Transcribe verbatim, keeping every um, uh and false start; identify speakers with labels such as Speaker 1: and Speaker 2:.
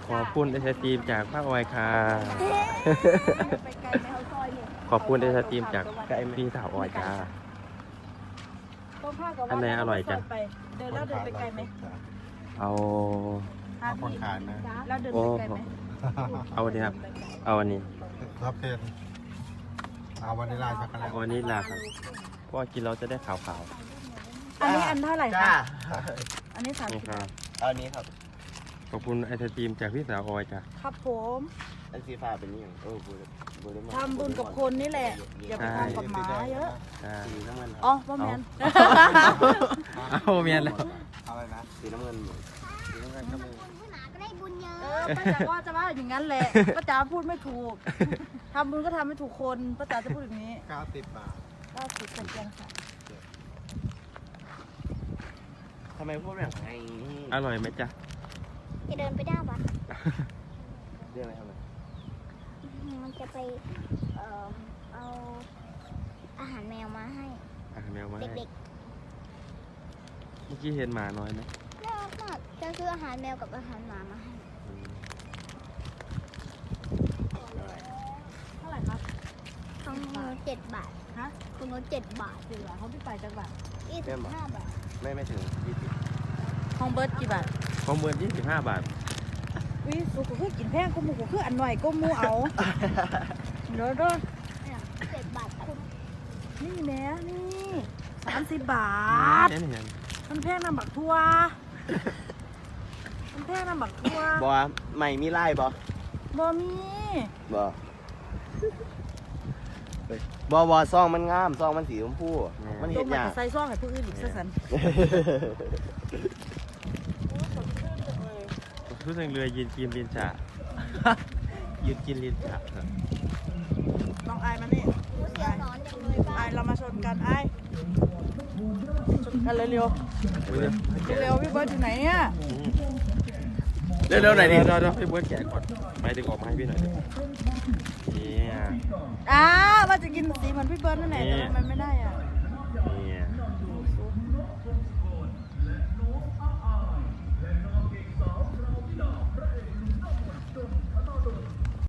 Speaker 1: ขอบคุณไอศครีมจากป้าออยค่ะขอบคุณไอศครีมจากพี่สาวออยจ้าอันไหนอร่อยจ้ะ
Speaker 2: เดินแล้วเดินไปไกลไหม
Speaker 1: เอา
Speaker 3: เอาคนขายนะ
Speaker 2: แล้วเดินไปไกลไหม
Speaker 1: เอาอันนี้ครับเอาอันนี้
Speaker 3: รับเพนเอาวานิลลาช็อกโกแลต
Speaker 1: วันนี้ลาครับเพราะกินเราจะได้ขาว
Speaker 2: ๆอันนี้อันเท่าไหร่คะอันนี้สามสิบ
Speaker 1: ครับ
Speaker 4: อันนี้ครับ
Speaker 1: ขอบคุณไอศครีมจากพี่สาวออยจ้ะ
Speaker 2: ครับผม
Speaker 4: อันสีฟ้าเป็นยังเออบุญบุญ
Speaker 2: ทำบุญกับคนนี่แหละอย่าไปทำกับหมาเยอะ
Speaker 4: สีน้ำเงิน
Speaker 2: อ๋อป้าแมน
Speaker 1: เอาเมียนเลย
Speaker 4: อะไรนะสีน้ำเงินสีน้ำเงินก็มี
Speaker 2: เออป้าจ๋าก็จะว่าอย่างนั้นแหละป้าจ๋าพูดไม่ถูกทำบุญก็ทำไม่ถูกคนป้าจ๋าจะพูดอย่างนี้
Speaker 3: เก้าสิบบาท
Speaker 2: เก้าสิบเป็นเพียงค่ะ
Speaker 4: ทำไมพูดแบบไง
Speaker 1: อร่อยไหมจ๊ะ
Speaker 5: จะเดินไปด้าวัด
Speaker 4: เรื่องอะไรทำไม
Speaker 5: มันจะไปเอ่อเอาอาหารแมวมาให้
Speaker 1: อาหารแมวมา
Speaker 5: เด็ก
Speaker 1: ๆเมื่อกี้เห็นหมาน้อยไหม
Speaker 5: น่ารักมากจะซื้ออาหารแมวกับอาหารหมามาให้
Speaker 2: เท่าไหร่ครับ
Speaker 5: ของหนูเจ็ดบาท
Speaker 2: ฮะ
Speaker 5: ของหนูเจ็ดบาท
Speaker 2: เจ็ดบาทเขาพี่ไปจังบาท
Speaker 5: ยี่สิบห้าบาท
Speaker 4: ไม่ไม่ถึงยี่สิบ
Speaker 2: ของเบิร์ดกี่บาท
Speaker 1: ของเบิร์ดยี่สิบห้าบาท
Speaker 2: วิสุกูคือกินแพงกูมูกูคืออันหน่อยกูมูเอาเดี๋ยวด้วย
Speaker 5: เจ็ดบาทคุ้ม
Speaker 2: นี่แม่นี่สามสิบบาทมันแพงน้ำบักทัวมันแพงน้ำบักทัว
Speaker 4: บอใหม่มีไล่บ
Speaker 2: อบอมี
Speaker 4: บอบอบอซองมันงามซองมันสีชมพูมันเห็นยาก
Speaker 2: ใส่ซองให้ผู้อื่นอีกสัน
Speaker 1: ทุกทางเรือยืนกินลินจ่ายืนกินลินจ่า
Speaker 2: ลองไอมานี่ไอเรามาชนกันไอชนกันเร็วเร็วเร็วพี่เบิร์ดอยู่ไหนเนี่ย
Speaker 1: เร็วเร็วไหนดิเร็วเร็วพี่เบิร์ดแกะก่อนไปดึงออกมาให้พี่หน่อยนี่
Speaker 2: อ่าว่าจะกินสีเหมือนพี่เบิร์ดนั่นแหละแต่มันไม่ได้อ่ะ